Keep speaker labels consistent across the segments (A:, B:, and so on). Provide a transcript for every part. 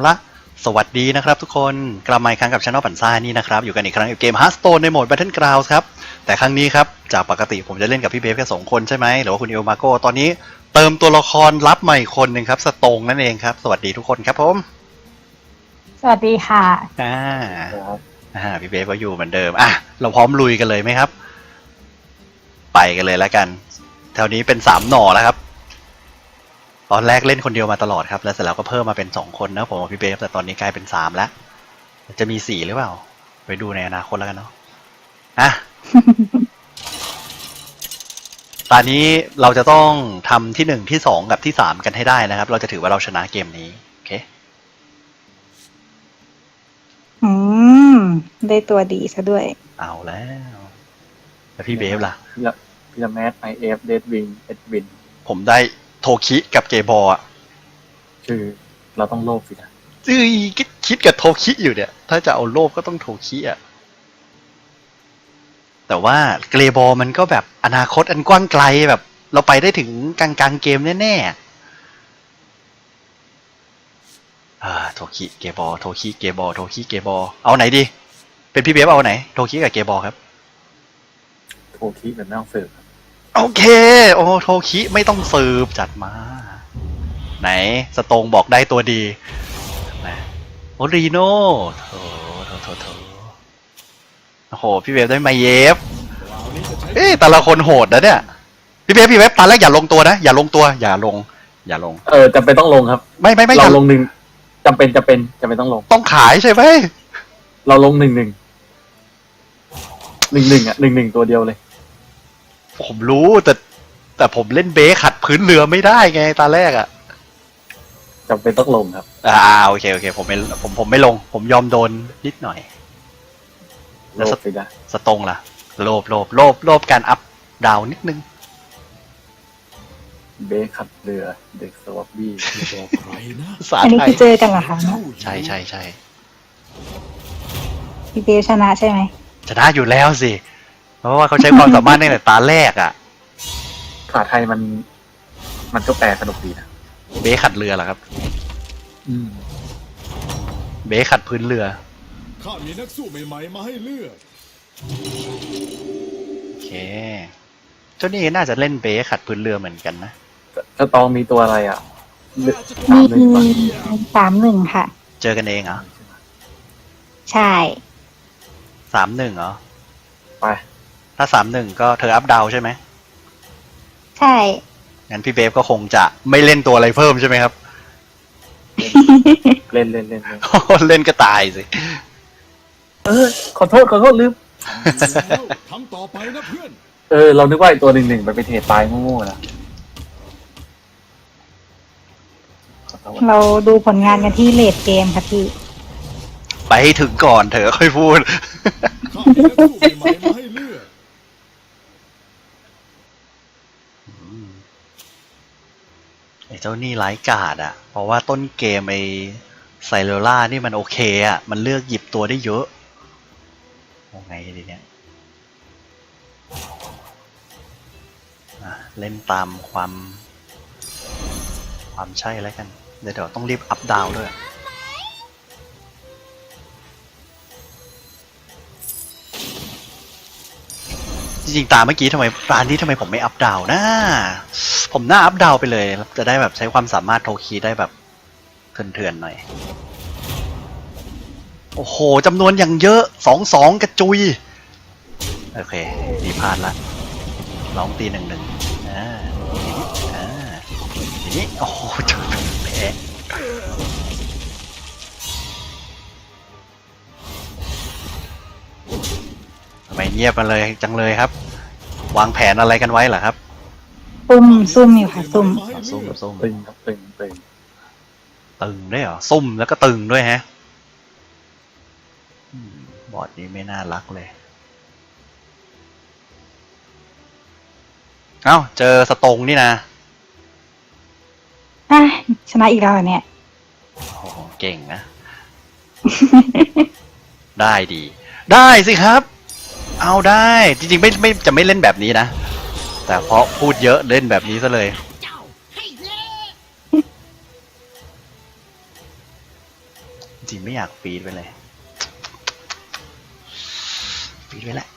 A: ละสวัสดีนะครับทุกคนกลับมาอีกครั้งกับ Channel ปั่นซ่านี่นะครับอยู่กันอีกครั้งกับเกม Hearthstone ในโหมด Battlegrounds ครับแต่ครั้งนี้ครับจากปกติผมจะเล่นกับพี่เบฟแค่2คนใช่ไหมหรือว่าคุณเอลมาโกตอนนี้เติมตัวละครลับใหม่คนหนึ่งครับสโตงนั่นเองครับสวัสดีทุกคนครับผม
B: สวัสดีค่ะ
A: พี่เบฟก็อยู่เหมือนเดิมเราพร้อมลุยกันเลยไหมครับไปกันเลยแล้วกันแถวนี้เป็น3หน่อแล้วครับตอนแรกเล่นคนเดียวมาตลอดครับแล้วเสร็จแล้วก็เพิ่มมาเป็น2คนนะผมกับพี่เบฟแต่ตอนนี้กลายเป็น3แล้วจะมี4หรือเปล่าไปดูในอนาคตแล้วกันเนาะตอนนี้เราจะต้องทำที่1ที่2กับที่3กันให้ได้นะครับเราจะถือว่าเราชนะเกมนี้โอเค
B: ได้ตัวดีซะด้วย
A: เอาแล้วพี่เบฟล่ะ
C: พีระแมดไอเอฟเดดวิงเอ็ดวิน
A: ผมได้โทคิกับเกบออ่ะ
C: คือเราต้องโลภสินะ
A: คิดกับโทคิอยู่เนี่ยถ้าจะเอาโลภก็ต้องโทคิอ่ะแต่ว่าเกรบอมันก็แบบอนาคตอันกว้างไกลแบบเราไปได้ถึงกลางเกมแน่ๆโทคิเกบอโทคิเกบอโทคิเกบอเอาไหนดีเป็นพี่เบฟเอาไหนโทคิกับเกบอครับ
C: โทคิแบบไม่ต้องสืบ
A: โอเคโอ้โทคิไม่ต้องสืบจัดมาไหนสตงบอกได้ตัวดีนะโอรีโน่โถโอ้โหพี่เวฟได้มาเยฟแต่ละคนโหดนะเนี่ยพี่เวฟตอนแรกอย่าลงตัวนะอย่าลง
C: จำเป็นต้องลงครับ
A: ไม่
C: เราลงหนึ่งจำเป็นต้องลง
A: ต้องขายใช่ไหม
C: เราลงหนึ่งอ่ะ1-1ตัวเดียวเลย
A: ผมรู้แต่ผมเล่นเบสขัดพื้นเรือไม่ได้ไงตอนแรกอ่ะ
C: จำเป็นต้องลงครับ
A: โอเคผมไม่ลงผมยอมโดนนิดหน่อย
C: แล้ว
A: สตงล่ะโลภการอัพดาวนิดนึง
C: เบสขัดเรือเด็กสวอปบี้
B: อันนี้คือเจอกันเหรอคะ
A: ใช่
B: พี่เบลชนะใช่ไหม
A: ชนะอยู่แล้วสิเพราะว่าเขาใช้ความสามารถตั้งแต่ตาแรกอ่ะ
C: ภาษาไทยมันก็แปลสนุกดีนะ
A: เบสขัดเรือเหรอครับเบสขัดพื้นเรือ
D: ข้ามีนักสู้ใหม่ๆมาให้เลือก
A: โอเคเจ้านี่น่าจะเล่นเบสขัดพื้นเรือเหมือนกันนะ
C: จะตองมีตัวอะไรอ่ะ
B: มี31ค่ะ
A: เจอกันเองเหรอ
B: ใช่
A: 31เหรอ
C: ไป
A: ถ้า31ก็เธออัพดาวใช่ไหม
B: ใช่
A: งั้นพี่เบฟก็คงจะไม่เล่นตัวอะไรเพิ่มใช่ไหมครับ
C: เล่น
A: เล่นก็ตายสิ
C: ขอโทษลืม
D: ทำต่อไปนะเพื่อน
C: เรานึกว่าไอ้ตัว1มันไปเทตายโง่ๆนะ
B: เราดูผลงานกันที่เลดเกมค่ะพี่
A: ไปให้ถึงก่อนเถอะค่อยพูด
D: ข้ามีนักสู้ใหม่ๆมาให้เลือก
A: ไอ้เจ้านี่ไร้กาดอ่ะเพราะว่าต้นเกมไอ้ไซโลล่านี่มันโอเคอ่ะมันเลือกหยิบตัวได้เยอะยังไงดีเนี่ยเล่นตามความใช่แล้วกันเดี๋ยวต้องรีบอัพดาวด้วยจริงๆตามเมื่อกี้ทำไมร้านนี้ทำไมผมไม่อัพดาวนะผมน่าอัพดาวไปเลยจะได้แบบใช้ความสามารถโทคีได้แบบเถื่อนๆหน่อยโอ้โหจำนวนอย่างเยอะ2-2กระจุยโอเคดีพลาดละลองตี1-1อย่างนี้โอ้โหจบแพ้ทำไมเงียบมาเลยจังเลยครับวางแผนอะไรกันไว้เหรอครับ
B: ซุ่มอยู่ค่ะซุ่ม
C: ตึงครับตึง
A: ด้วยเหรอซุ่มแล้วก็ตึงด้วยฮะบอร์ดนี้ไม่น่ารักเลยเอ้าเจอสตงนี่นะ
B: ชนะอีกแล้วเนี่ย
A: โอ้โหเก่งนะ ได้ดีได้สิครับเอาได้จริงๆไม่จะไม่เล่นแบบนี้นะแต่เพราะพูดเยอะเล่นแบบนี้ซะเลยริงๆไม่อยากฟีดไปเลยฟีดไปแหละ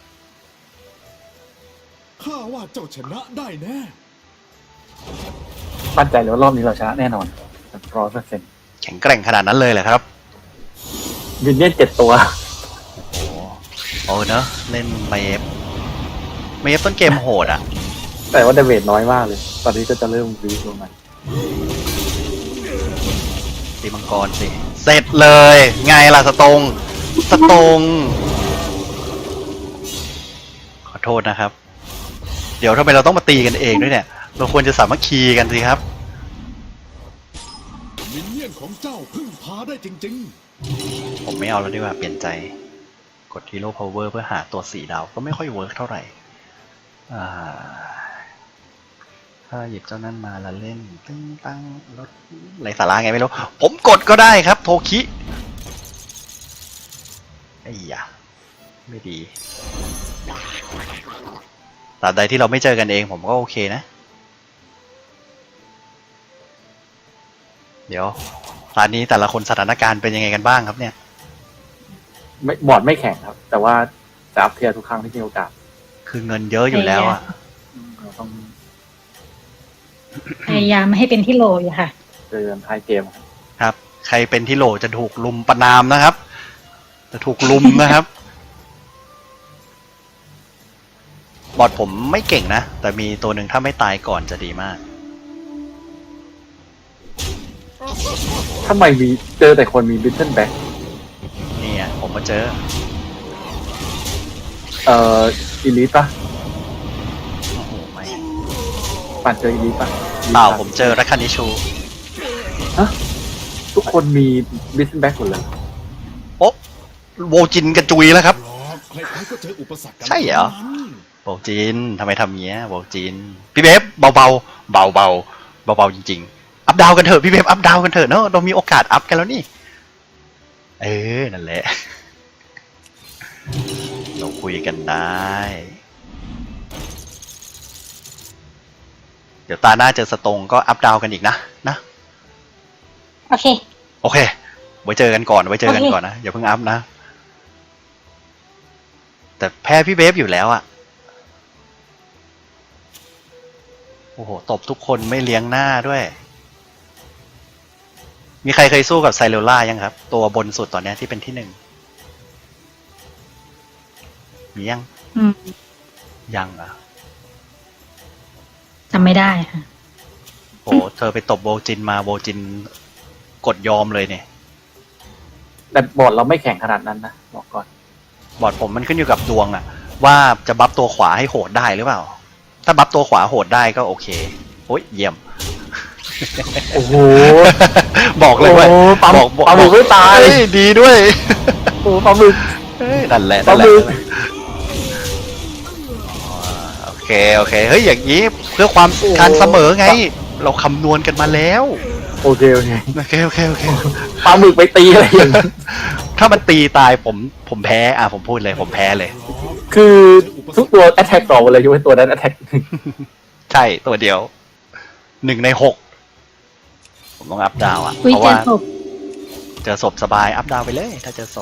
D: ข้าว่าเจ้าชนะได้แน่
C: มั่นใจเลยว่ารอบนี้เราชนะแน่นอน100%
A: แข็งแกร่งขนาดนั้นเลยเหรอครับ
C: มินเนี่ยน7 ตัว
A: โอ้เนอะเล่นเมฟต้นเกมโหดอ่ะ
C: แต่ว่าดาเมจน้อยมากเลย ตอนนี้ก็จะเริ่มวีคลงมา
A: ตีมังกรสิ เสร็จเลย ไงล่ะสตง ขอโทษนะครับ เดี๋ยวทำไมเราต้องมาตีกันเองด้วยเนี่ย เราควรจะสามัคคีกันสิครับ
D: มินเนี่ยนของเจ้าพึ่งพาได้จริง
A: ผมไม่เอาแล้วดีกว่าเปลี่ยนใจ กด Hero Power เพื่อหาตัว4 ดาวก็ไม่ค่อยเวิร์กเท่าไหร่ถ้าหยิบเจ้านั้นมาแล้วเล่นตึ้งตั้งรถไรสาระไงไม่รู้ ผมกดก็ได้ครับโทคิไอ้ยะไม่ดีตราบใดที่เราไม่เจอกันเองผมก็โอเคนะ เดี๋ยวร้านนี้แต่ละคนสถานการณ์เป็นยังไงกันบ้างครับเนี่ย
C: ไม่บอร์ดไม่แข็งครับ แต่ว่าจะอัพเทียร์ทุกครั้งที่มีโอกาส
A: คือเงินเยอะอยู่แล้วอ่ะ
C: เราต้อง
B: พยายามไม่ให้เป็นที่โหลอยู่ค่ะ
C: เจอกันท้ายเกมครับ
A: ครับ ใครเป็นที่โหลจะถูกลุมประนามนะครับ จะถูกลุมนะครับ บอดผมไม่เก่งนะ แต่มีตัวหนึ่งถ้าไม่ตายก่อนจะดีมาก
C: ทำไมมีเจอแต่คนมีบิทเทิลแบ็ก
A: นี่อ่ะผมมาเจอ
C: อีลิทปะ
A: โอ้โหไม่
C: ปั่นเจออีลิทปะ
A: เปล่าผมเจอรัคคานิชู
C: ทุกคนมีบิทเทิลแบ็กหมดเลย
A: โอ๊ะโวจินกระจุยแล้วครับ
D: ๆหรอกใครๆก็เจออุปสรรคกัน
A: ใช่เหรอ
D: ทั้งนั้น
A: โวจินทำไมทำเงี้ยโวจินพี่เบฟเบาๆเบาๆจริงๆอัพดาวกันเถอะพี่เบฟอัพดาวกันเถอะเนอะเรามีโอกาสอัพกันแล้วนี่นั่นแหละ เราคุยกันได้ เดี๋ยวตาหน้าเจอสตงก็อัพดาวกันอีกนะ
B: โอเค
A: โอเค ไว้เจอกันก่อนนะ อย่าเพิ่งอัพนะ แต่แพ้พี่เบฟอยู่แล้วอะโอ้โห ตบทุกคนไม่เลี้ยงหน้าด้วย มีใครเคยสู้กับไซเรลล่ายังครับ ตัวบนสุดตอนนี้ที่เป็นที่ 1มียัง
B: อืม
A: ยังอ่ะ
B: จำไม่ได้ค่ะ
A: โอ้เธอไปตบโวจินมาโวจินกดยอมเลยเนี่ย
C: แต่บอร์ดเราไม่แข็งขนาดนั้นนะบอกก่อน
A: บอร์ดผมมันขึ้นอยู่กับดวงอะว่าจะบัฟตัวขวาให้โหดได้หรือเปล่า ถ้าบัฟตัวขวาโหดได้ก็โอเคโอ้ยเยี่ยม
C: โอ้โห
A: บอกเลยว่า
C: โอ้ปลาหมึกปลาหมึกไม่ตาย
A: เฮ้ดีด้วย
C: โอ้ปลาหมึก
A: นั่นแหละ
C: ปลาหมึก
A: โอเคเฮ้ยอย่างนี้เพื่อความการเสมอไง เราคำนวณกันมาแล้ว
C: โอเค
A: โอเค
C: ปลาหมึกไปตีอะไรอย่างนี้
A: ถ้ามันตีตายผมแพ้ผมพูดเลยผมแพ้เลย
C: คือทุกตัว attack ต่อหมดเลยยกเว้นตัวนั้น attack
A: ใช่ตัวเดียว 1 ใน 6ผมต้องอัพดาวเพ
B: อุ้ย
A: ราะ
B: เจอ
A: ว่า
B: ศพ
A: เจอศพสบายอัพดาวไปเลย ถ้าเจอศพ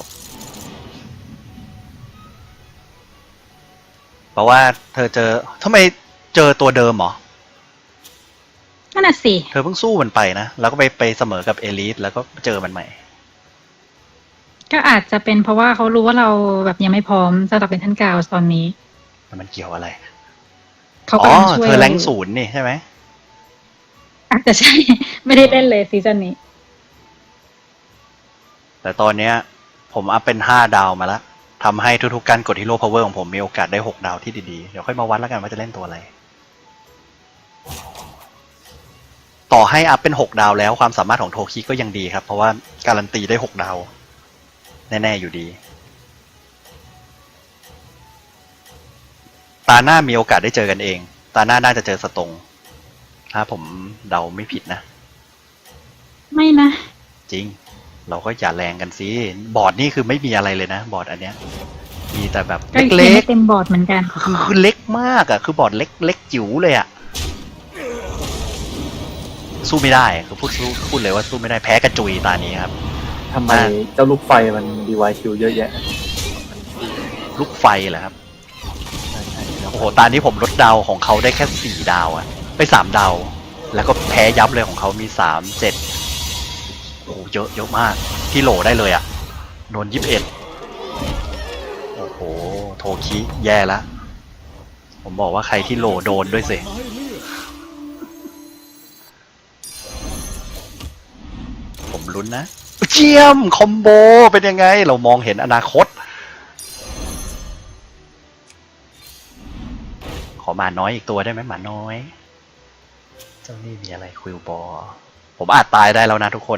A: เพราะว่าเธอเจอทำไมเจอตัวเดิมเหรอ
B: นั่นน่ะสิ
A: เธอเพิ่งสู้มันไปนะ แล้วก็ไปเสมอกับเอลิทแล้วก็เจอมันใหม่
B: ก็อาจจะเป็นเพราะว่าเขารู้ว่าเราแบบยังไม่พร้อมสำหรับเป็นท่านกาวตอนนี้
A: มันเกี่ยวอะไร
B: เขา
A: อ๋
B: กำ
A: อ
B: ลังช่วย
A: เธอแรงค์0นี่ใช่ไหม
B: อาจจะใช่ ไม่ได้เล่นเลยซีซั่นนี้
A: แต่ตอนเนี้ย ผมอัพเป็น5 ดาวมาแล้วทำให้ทุกๆการกดฮีโร่พาวเวอร์ของผมมีโอกาสได้6 ดาวที่ดีๆ เดี๋ยวค่อยมาวัดแล้วกันว่าจะเล่นตัวอะไร ต่อให้อัพเป็น6 ดาวแล้วความสามารถของโทคิก็ยังดีครับ เพราะว่าการันตีได้6 ดาว แน่ๆอยู่ดี ตาหน้ามีโอกาสได้เจอกันเอง ตาหน้าน่าจะเจอสตงถ้าผมเดาไม่ผิดนะ
B: ไม่นะ
A: จริง เราก็อย่าแรงกันสิบอร์ดนี่คือไม่มีอะไรเลยนะบอร์ดอันเนี้ย มีแต่แบบ
B: ก็ยัง
A: เล็
B: ไม่
A: ก
B: เต็มบอร์ดเหมือนกัน
A: ๆคือเล็กมากอะคือบอร์ดเล็กจิ๋วเลยอะสู้ไม่ได้คือพูดเลยว่าสู้ไม่ได้แพ้กระจุยตานี้ครับ
C: ใช่ทำไมเจ้าลูกไฟมันดีไวคิวเยอะแยะ
A: ลูกไฟเหรอครับ โอ้โห ตอนนี้ผมลดดาวของเขาได้แค่4 ดาวอะไป3 ดาว แล้วก็แพ้ยับเลยของเขามี3 7โอ้โหเยอะมาก ที่โหลได้เลยอะโดน21โอ้โห โทคิแย่ละผมบอกว่าใครที่โหลโดนด้วยสิ
D: ไม้เลือด
A: ผมลุ้นนะ เจียมคอมโบเป็นยังไง เรามองเห็นอนาคต ขอหมาน้อยอีกตัวได้ไหมหมาน้อย เจ้านี่มีอะไรควิลบอลผมอาจตายได้แล้วนะทุกคน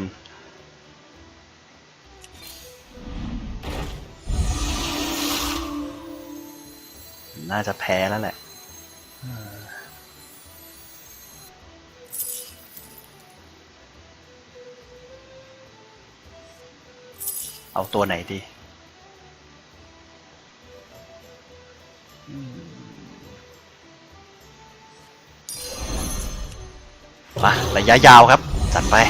A: น่าจะแพ้แล้วแหละ เอาตัวไหนดีมาระยะยาวครับ จัดไป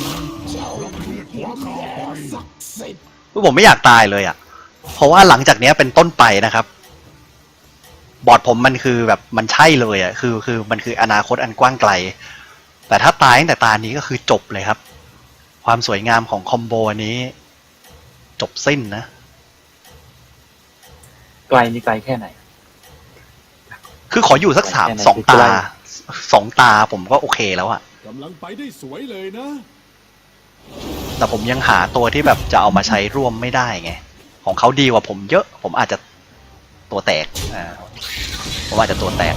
A: ผมไม่อยากตายเลยอ่ะ เพราะว่าหลังจากนี้เป็นต้นไปนะครับ บอร์ดผมมันคือแบบมันใช่เลยอ่ะ คือมันคืออนาคตอันกว้างไกล แต่ถ้าตายตั้งแต่ตานี้ก็คือจบเลยครับ ความสวยงามของคอมโบนี้ จบสิ้นนะ
C: ไกลนี่ไกลแค่ไหน
A: คือขออยู่สักสองตา2 ตาผมก็โอเคแล้วอะ
D: กำลังไปได้สวยเลยนะ
A: แต่ผมยังหาตัวที่แบบจะเอามาใช้ร่วมไม่ได้ไง ของเขาดีกว่าผมเยอะ ผมอาจจะตัวแตกผมอาจจะตัวแตก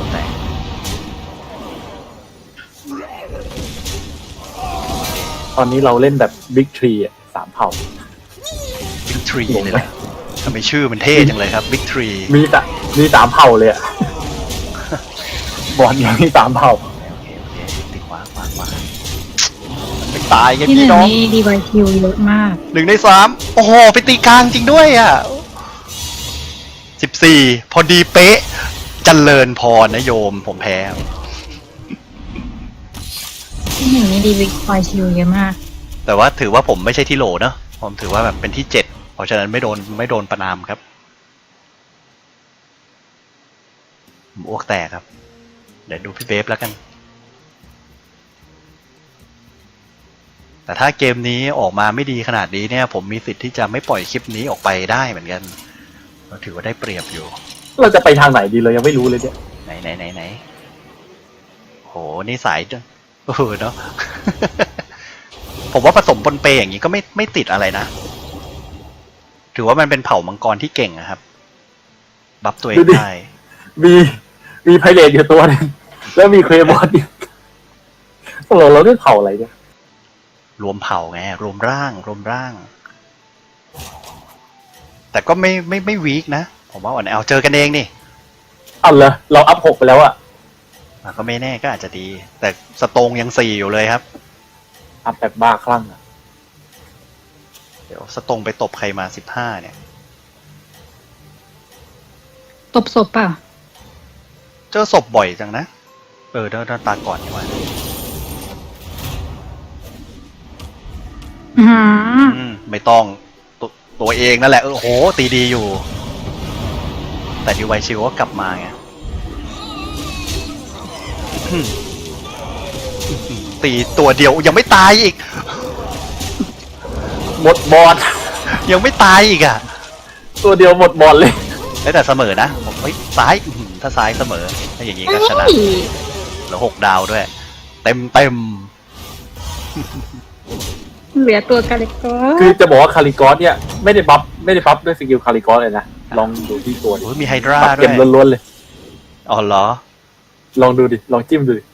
C: ตอนนี้เราเล่นแบบบิ๊กทรีอ่ะ3 เผ่า
A: Big Tree เลยแหละทำไมชื่อมันเท่จังเลยครับ Big Tree
C: มี3 เผ่าเลยอ่ะ บอลยังมี3 เผ่า
A: โอเคติดขวาไม่ตายกัน
B: ที่ห
A: พี่
B: นึ่ง
A: น้อง
B: นี่ดีไวคิวเยอะมาก
A: 1 ใน 3โอ้โหไปตีกลางจริงด้วยอ่ะ14พอดีเป๊ะเจริญพรนะโยมผมแพ้
B: ที่หนึ่งนี่ดีไวคิวเยอะมาก
A: แต่ว่าถือว่าผมไม่ใช่ที่โหลเนอะผมถือว่าแบบเป็นที่7เพราะฉะนั้นไม่โดนประนามครับผมอ้วกแตกครับ เดี๋ยวดูพี่เบฟแล้วกัน แต่ถ้าเกมนี้ออกมาไม่ดีขนาดนี้เนี่ย ผมมีสิทธิ์ที่จะไม่ปล่อยคลิปนี้ออกไปได้เหมือนกันเราถือว่าได้เปรียบอยู่
C: เราจะไปทางไหนดีเรายังไม่รู้เลยเนี่ย
A: ไหนโหนี่สายจังเนาะ ผมว่าผสมปนเปอย่างนี้ก็ไม่ติดอะไรนะ ถือว่ามันเป็นเผ่ามังกรที่เก่งนะครับ บัฟตัวเองได้
C: มีไพเรตอยู่ตัวนึงแล้วมีเครบอสอยู่เราเรียกเผ่าอะไรเนี่ย
A: รวมเผ่าไงรวมร่าง แต่ก็ไม่วีคนะ ผมว่าอ่อนแอเจอกันเองนี่
C: เอาเหรอเราอัพ6ไปแล้วอะ
A: ก็ไม่แน่ก็อาจจะดี แต่สโตงยัง4อยู่เลยครับ
C: อัพแบบบ้าคลั่งอะ
A: เดี๋ยวสโตงไปตบใครมา15เนี่ย
B: ตบศพเปล่า
A: เจอศพบ่อยจังนะเดินตาก่อนดีกว่า ไม่ต้องตัวเองนั่นแหละโอ้โหตีดีอยู่ แต่ดีไวชิวก็กลับมาไงตีตัวเดียวยังไม่ตายอีก
C: หมดบอล
A: ยังไม่ตายอีกอ่ะ
C: ตัวเดียวหมดบอลเลย
A: แต่เสมอนะผมซ้ายถ้าซ้ายเสมอถ้าอย่างนี้ก็ชนะแล้ว6 ดาวด้วย เต็ม
B: เหลือตัวกาลิโก
C: คือจะบอกว่าคาริกอสเนี่ยไม่ได้บัฟด้วยสกิลคาริกอสเลยนะลองดูที่ตัวดิ
A: โอ้ยมีไฮดรา
C: บัฟ
A: ด้ว
C: เกม
A: ย
C: ล้วนๆเลย
A: อ๋อเหรอ
C: ลองดูดิลองจิ้มดูดิ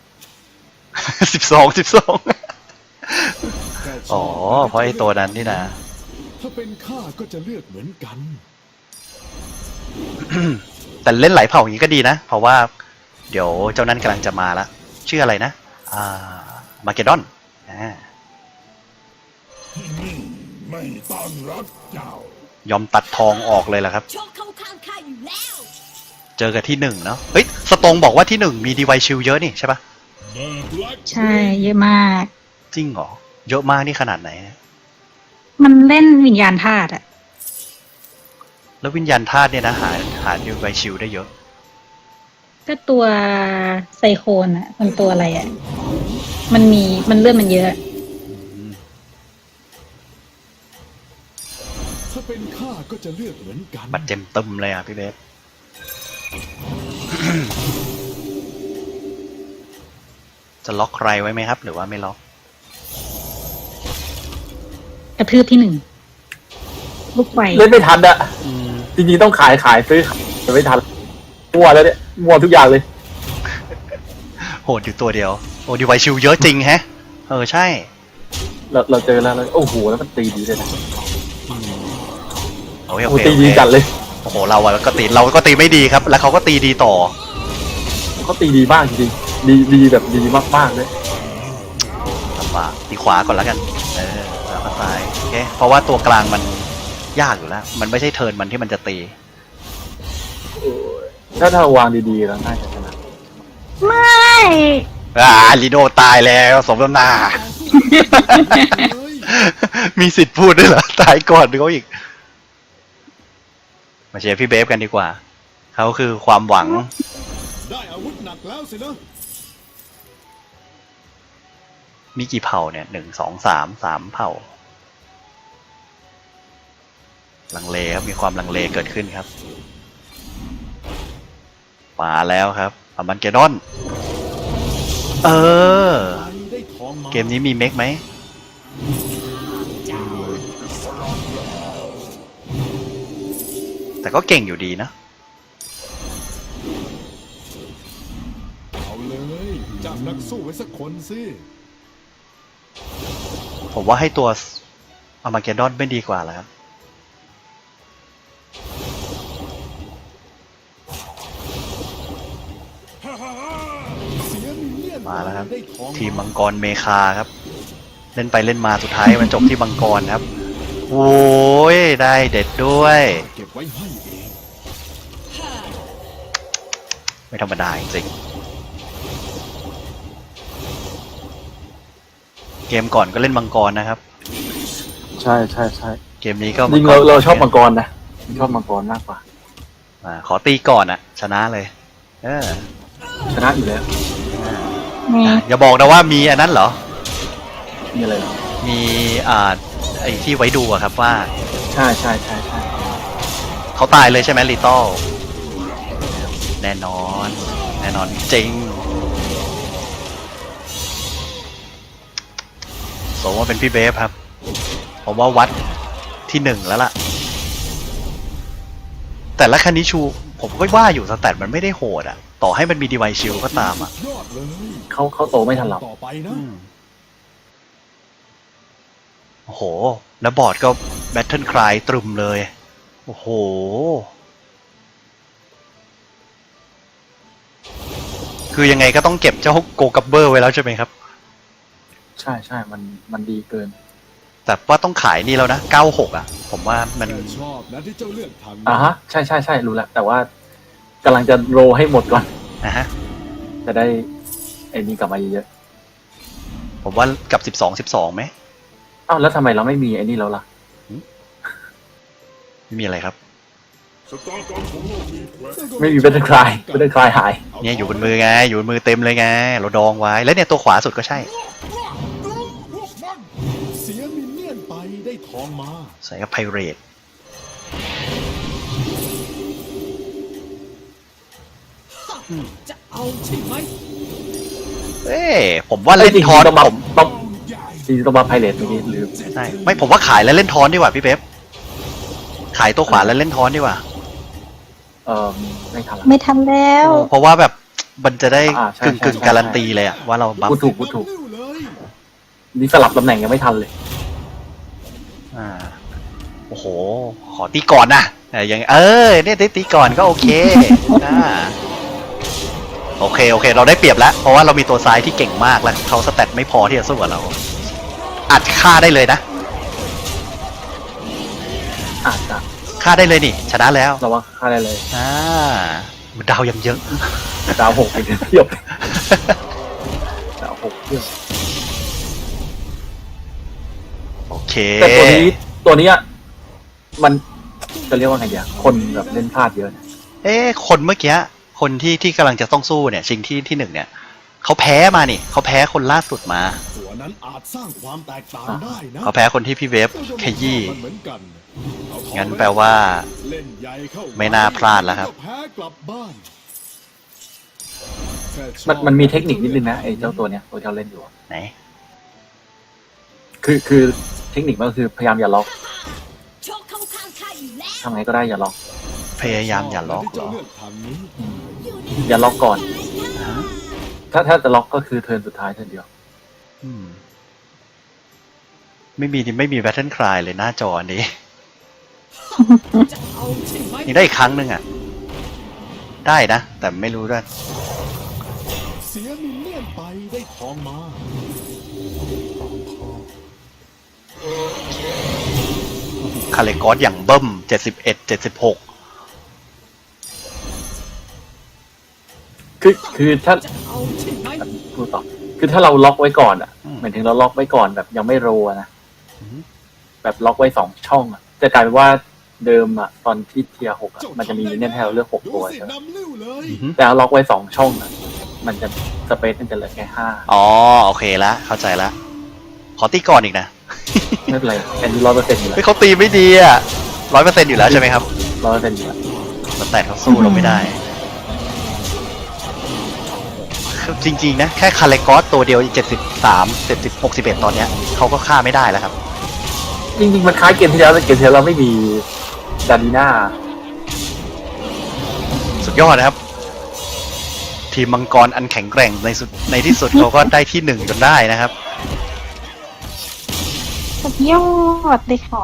A: 12
D: แค่ช
A: อ๋อ
D: อบ
A: เพราะไอ้ตัวนั้นนี่นะ
D: ถ้าเป็นข้าก็จะเลือกเหมือนกัน
A: แต่เล่นหลายเผ่าอย่างนี้ก็ดีนะ เพราะว่าเดี๋ยวเจ้านั้นกำลังจะมาแล้วชื่ออะไรนะมาเกดอน
D: ไม่ต้อนรับเจ้า
A: ยอมตัดทองออกเลยล่ะครับ
E: โชคเข้าข้างข้าอยู่แล้ว
A: เจอกับที่1เนาะเฮ้ยสตงบอกว่าที่1มีดีไวชิลเยอะนี่ใช่ปะ
B: ใช่เยอะมาก
A: จริงเหรอเยอะมากนี่ขนาดไหนเนี่ย
B: มันเล่นวิญญาณธาตุอะ
A: แล้ววิญญาณธาตุเนี่ยนะหาดิวไวชิลได้เยอะ
B: ก็ตัวไซโคนอะมันตัวอะไรอะมันเลือดมันเยอะ
D: ถ้าเป็นข้าก็จะเลือกเหมือนกัน
A: บัตรเต็มตึมเลยอ่ะพี่เบส จะล็อกใครไว้ไหมครับ หรือว่าไม่ล็อก
B: กระทืบที่ 1 ลูกไฟ
C: เล่นไม่ทันอะจริงๆต้องขายซื้อแต่ไม่ทันมั่วแล้วเนี่ยมั่วทุกอย่างเลย
A: โหดอยู่ตัวเดียว โอ้ดิวไวชิลเยอะจริงแฮะ ใช่
C: เราเจอแล้วโอ้โหแล้วมันตีดีเลยนะ
A: โอเค
C: โอ้โหตีดีจัดเลย
A: โอ้โหเราก็ตีไม่ดีครับ แล้วเขาก็ตีดีต่อ
C: เขาตีดีมากจริงๆดีแบบดีมากๆเลย
A: ลำบากตีขวาก่อนแล้วกัน แล้วก็ซ้ายโอเค เพราะว่าตัวกลางมันยากอยู่แล้ว มันไม่ใช่เทิร์นมันที่มันจะตี
C: ถ้าวางดีๆแล้วน่าจะชนะ
B: ไม่
A: ลีโดตายแล้วสมน้ำหน้า
D: เลย
A: มีสิทธิ์พูดด้วยเหรอ ตายก่อนเขาอีก มาเชียร์พี่เบฟกันดีกว่า เขาคือความหวัง
D: ได้อาวุธหนักแล้วสินะ
A: มีกี่เผ่าเนี่ย1 2 3 3 เผ่า ลังเลครับ มีความลังเลเกิดขึ้นครับ มาแล้วครับอามันเกดอน
D: ได้ทองมา
A: เกมนี้มีเมคไหม แต่ก็เก่งอยู่ดีนะ
D: เอาเลยจับนักสู้ไว้สักคนสิ
A: ผมว่าให้ตัวอามาเกดอนไม่ดีกว่าแล้วครับ
D: เสียมิลเลียน
A: มาแล้วครับ
D: ได้ทอง
A: ทีมมังกรเมคาครับ เล่นไปเล่นมาสุดท้ายมันจบที่มังกรครับ โอ้ยได้เด็ดด้วย
D: เก็บไว้ให้เอง
A: ไม่ธรรมดาจริงๆเกมก่อนก็เล่นมังกรนะครับ
C: ใช่
A: เกมนี้ก็
C: จริงเราชอบมังกรนะชอบมังกรมากกว่า
A: ขอตีก่อนอะชนะเลย
C: ชนะอยู่แล้ว
B: นี่
A: อย่าบอกนะว่ามีอันนั้นเหรอ
C: มีอะไรหรอ
A: มีไอ้ที่ไว้ดูอะครับว่า
C: ใช่
A: เขาตายเลยใช่ไหมลิตอลแน่นอน จริงสมว่าเป็นพี่เบฟครับ ผมว่าวัดที่ 1แล้วล่ะ แต่ละคันนี้ชู ผมก็ว่าอยู่สแตทมันไม่ได้โหดอะต่อให้มันมีดีไวชิลก็ตามอะ
D: ยอดเลย
C: เขาโตไม่ทันเรา
D: ต่อไปนะ
A: โอ้โห แล้วบอร์ดก็แบทเทิลคลายตรึมเลย โอ้โห คือยังไงก็ต้องเก็บเจ้าโกกัปเบอร์ไว้แล้วใช่ไหมครับ
C: ใช่มันดีเกิน
A: แต่ว่าต้องขายนี่แล้วนะ 96 อ่ะ ผมว่ามัน
D: แต่ชอบนะที่เจ้าเลือกทำ
C: ฮะใช่รู้แล้วแต่ว่ากำลังจะโรให้หมดก่อน
A: นะฮะ
C: จะได้ไอ้นี้กลับมาเยอะ
A: ผมว่ากับ 12ไหม
C: ๆแล้วทำไมเราไม่มีไอ้นี่แล้วล่ะ
A: ไม่มีอะไรครับ
C: ไม่มีเบตเตอร์คลายหาย
A: เนี่ยอยู่บนมือไง อยู่บนมือเต็มเลยไง เราดองไว้ แล้วเนี่ยตัวขวาสุดก็ใช่
D: เสียมิลเลียนไปได้ทองมา
A: ใส่กับไพเรต
E: จะเอาใช่ไหม
A: ผมว่าเล่นทอน
C: ต้องมา
A: ผม
C: จริงๆต้องมาไพเรตเมื่อกี้ลืม
A: ใช่ไม่ผมว่าขายแล้วเล่นทอนดีกว่าพี่เป๊ปขายตัวขวาแล้วเล่นทอนดีกว่า
C: ไม่ทันละ
B: ไม่ทันแล้ว
A: เพราะว่าแบบมันจะได้
C: ใช่
A: กึ่งการันตีเลยอะว่าเราบัฟ
C: พูดถูก
D: เลย
C: นี่สลับตำแหน่งยังไม่ทันเลย
A: โอ้โห ขอตีก่อนนะอย่างเนี่ยตีก่อนก็โอเคโอเคเราได้เปรียบแล้ว เพราะว่าเรามีตัวซ้ายที่เก่งมากแล้วเขาสแตทไม่พอที่จะสู้กับเรา อัดฆ่าได้เลยนะ
C: อาจจะ
A: ฆ่าได้เลยนี่ ชนะแล้ว
C: เราว่าค่าได้เลย
A: ดาวยังเยอะ
C: ดาว6ไปเทียบดาว6เทียบ
A: โอเค
C: แต่ตัวนี้ตัวเนี้ยมันจะเรียกว่าไงเดียวคนแบบเล่นพลาดเยอะนะ
A: คนเมื่อกี้คนที่กำลังจะต้องสู้เนี่ยชิงที่หนึ่งเนี่ยเขาแพ้มานี่เขาแพ้คนล่าสุดมา
D: ตัวนั้นอาจสร้างความแตกต่างได้นะ
A: เขาแพ้คนที่พี่เวฟขยี้
D: มันเหมือนกันเอาเข้า
A: งั้นแปลว่า
D: เล่นใหญ่เข้า
A: ไม่น่าพลาดแล้วครับ
D: แพ้กลับบ้านแค่ชอบ
C: มันมีเทคนิคนิดนึงนะไอ้เจ้าตัวเนี้ยตัวที่เราเล่นอยู่อะ
A: ไหน
C: คือเทคนิคมันก็คือพยายามอย่าล็อก
F: โชคเข้าข้างข้าอยู่แล้ว
C: ทำไงก็ได้อย่าล็อก
A: พยายามอย่าล็อกเหรอ
D: ที่จะเลือกทางนี้
C: อย่าล็อกก่อน
A: ฮะ
C: ถ้าจะล็อกก็คือเทิร์นสุดท้ายเทิร์นเดียว
A: อืมไม่มีแบทเทิลคลายเลยหน้าจออันนี้
E: จะเอาใช่ไหม
A: ยังได้อีกครั้งหนึ่งอ่ะ ได้นะ แต่ไม่รู้ด้วย
D: เสียมินเนี่ยนไปได้ทองมา
A: คาเลกอสอย่างเบิ้ม71 76
C: คือถ้า
E: จะเอาใช่ไหม
C: พูดต่อคือถ้าเราล็อกไว้ก่อนอ่ะ
A: อืม
C: หมายถึงเราล็อกไว้ก่อนแบบยังไม่โรอะนะ
A: อืม
C: แบบล็อกไว้2 ช่องอ่ะจะกลายเป็นว่าเดิมอ่ะตอนที่เทียร์6อ่ะมันจะมีมินเนี่ยนให้เราเลือก6
D: ดู
C: ตัว
D: สิ
C: ใช่ไหม
D: นำลิ้วเลย
A: อือหือ
C: แต่เราล็อกไว้2 ช่องอ่ะมันจะสเปซมันจะเหลือแค่5
A: อ๋อโอเคละเข้าใจละขอตีก่อนอีกนะ
C: ไม่เป็นไรแอนดี้100%อยู่แล้ว
A: เฮ้ยเขาตีไม่ดีอ่ะ100%อยู่แล้วใช่ไหมครับ
C: 100%อยู่แล้ว
A: แต่เขาสู้เราไม่ได้ จริงๆนะ แค่คาเลกอสตัวเดียว73 70 61ตอนเนี้ยเขาก็ฆ่าไม่ได้แล้วครับ
C: จริงๆมันคล้ายเกมที่แล้วแต่เกมที่แล้วเราไม่มีดาดีน่า
A: สุดยอดนะครับ ทีมมังกรอันแข็งแกร่งในที่สุดเขาก็ได้ที่หนึ่งจนได้นะครับ
B: สุดยอดเลยค่ะ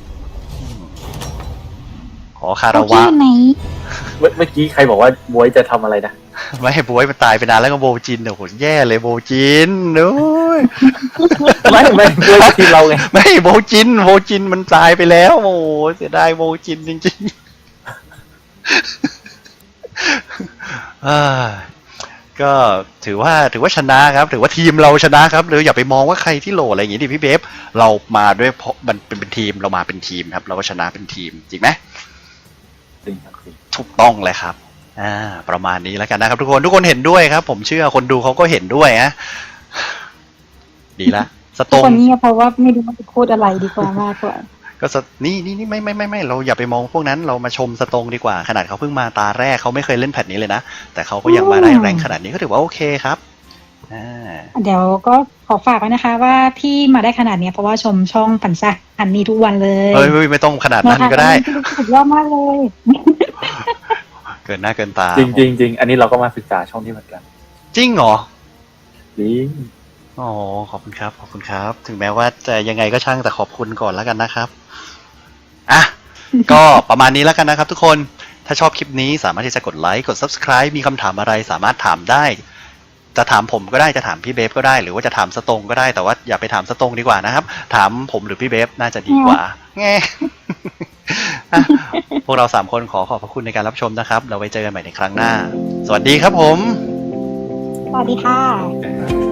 A: ขอคาราวะ
B: อยู่ไหน
C: เมื่อกี้ใครบอกว่าบวยจะทำอะไรนะ
A: ไม่ให้บวยมันตายไปนานแล้วก็โบจินโอ้โหแย่เลยโบจินโอ้ย
C: ไม่บวยทีมเราไง
A: ไม่โบจินมันตายไปแล้ว โอ้โหเสียดายโบจินจริงๆ ก็ถือว่าชนะครับ ถือว่าทีมเราชนะครับหรืออย่าไปมองว่าใครที่โหลอะไรอย่างงี้ดิพี่เบฟเรามาด้วยเพราะมันเป็นทีมเรามาเป็นทีมครับ เราก็ชนะเป็นทีมจริงไหม
C: จริงครับจริง
A: ถูกต้องเลยครับประมาณนี้แล้วกันนะครับ ทุกคนเห็นด้วยครับ ผมเชื่อคนดูเขาก็เห็นด้วยนะดีละส
B: ทุ
A: ต
B: ก
A: ง
B: คนนี้เพราะว่าไม่รู้ว่าจะพูดอะไรดีกว่ามากกว่า
A: ก็นี่ไม่เราอย่าไปมองพวกนั้นเรามาชมสตงดีกว่าขนาดเขาเพิ่งมาตาแรกเขาไม่เคยเล่นแพทนี้เลยนะแต่เขาก็ยังมาได้แรงขนาดนี้ก็ถือว่าโอเคครับ
B: เดี๋ยวก็ขอฝากไว้นะคะ ว่าที่มาได้ขนาดเนี้ยเพราะว่าชมช่องปันซ่าอันนี้ทุกวันเลย
A: เฮ้ยไม่ต้องขนาดนั้นก็ได้
B: สุดยอดมากเลย
A: เกินหน้าเกินตา
C: จริงอันนี้เราก็มาศึกษาช่องที่เหมือนกัน
A: จริงเหรอ
C: จริง
A: อ๋อขอบคุณครับถึงแม้ว่าจะยังไงก็ช่างแต่ขอบคุณก่อนแล้วกันนะครับอ่ะ ก็ประมาณนี้แล้วกันนะครับ ทุกคนถ้าชอบคลิปนี้สามารถที่จะกดไลค์กด subscribe มีคำถามอะไรสามารถถามได้ จะถามผมก็ได้จะถามพี่เบฟก็ได้หรือว่าจะถามสตงก็ได้แต่ว่าอย่าไปถามสตงดีกว่านะครับ ถามผมหรือพี่เบฟน่าจะดีกว่าแง่ อ่ะพวกเรา3คนขอบพระคุณในการรับชมนะครับเราไว้เจอกันใหม่ในครั้งหน้า สวัสดีครับผม
B: สวัสดีค่ะ
C: ๆ